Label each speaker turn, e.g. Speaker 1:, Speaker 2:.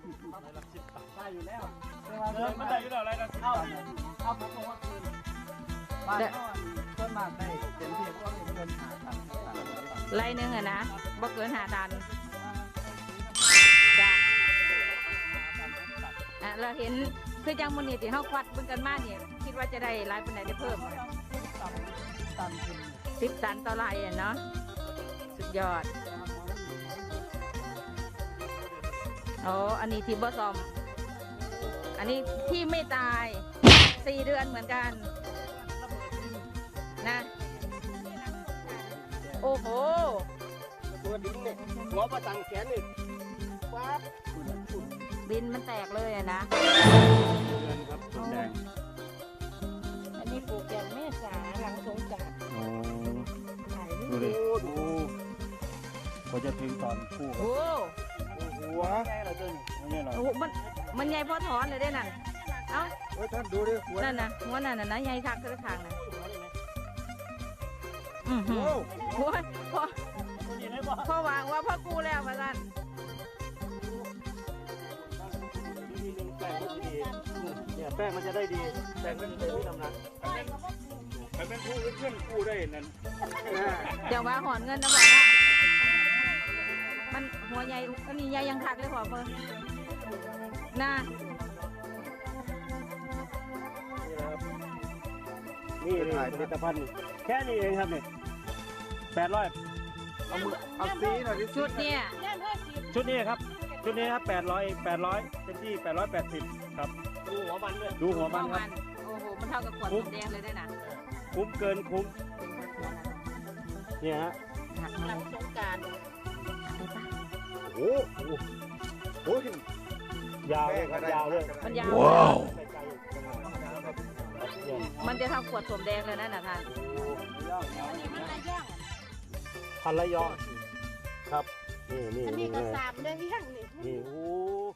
Speaker 1: ได้อยู่แล้ว
Speaker 2: มันได้อยู่แล้วอะไรนะ
Speaker 1: เอาผมบอกว่าคือบ้านเขาต้นมากได้เต็มที่ก็เงินหาตังค์
Speaker 3: ไร่นึงอะนะบ่เกิน5 ตันจ้ะเราเห็นคือจังมื้อนี้ที่เฮาควัดเบิ่งกันมาเนี่ยคิดว่าจะได้หลายปานใดได้เพิ่ม10 ตันต่อไร่อ่ะเนาะสุดยอดโอ้อันนี้ที่บ่ซ่อมอันนี้ที่ไม่ตาย4 เดือนเหมือนกันนะโอ้โห
Speaker 1: ตัวดิ้งเนี่ยหัวประตังแขนนี่ว้า
Speaker 3: บินมันแตกเลยอะนะ
Speaker 2: เงินครับต้นแดง
Speaker 3: อันนี้ปลูกอย่างเมษาหลังสงกรานต์
Speaker 2: โอ้
Speaker 3: ขาย
Speaker 2: ดูดิดูพอจะถึงตอนคู่
Speaker 3: โอ้
Speaker 2: หัวใช่เราเจ้านี่เรา
Speaker 3: โหมันใหญ่พอถอนเลยได้นั่นเอ้า
Speaker 1: ท่านดูดิหัว
Speaker 3: นั่นนะหัวนั่นนะใหญ่คักกระถางนะโอ้ยพอวางว่าพ่อกูแล้วมาสั่น
Speaker 2: เนี่ยแป้งมันจะได้ดีแป้งมันจะได้ทำนะมันเป็นคู่เพื่อนคู่ได้นั่น
Speaker 3: เดี๋ยวว่าหอนเงินนะบอกว่ามันหัวใหญ่อันนี้ใหญ่ยังคักเลยพอเพิ่นน่ะ
Speaker 2: นี่ถ่ายผลิตภัณฑ์แค่นี้เองครับนี่800
Speaker 1: เอามือเอาซีหน่อยดิ
Speaker 3: ชุดเนี่ย
Speaker 2: ชุดนี้ครับชุดนี้ครับ800เป็นที่880ครับดูหัวมันด้วยดูหัวมันครับ
Speaker 3: โอ้โหมันเท่ากับขวดน้ำแดงเลยได้น่ะ
Speaker 2: คุ้มเกินคุ้มเนี่ยฮะ
Speaker 3: หักหลังสงกรานต์
Speaker 2: โอ้โหยาวเลยครับยาวเลย
Speaker 3: มันยาว
Speaker 2: ว้าว
Speaker 3: มันจะเท่าขวดสมแดงเลยนะท่าน
Speaker 2: พันละยองครับนี่
Speaker 4: อันนี้ก็3 เดือนยังนี่
Speaker 2: นี่โอ้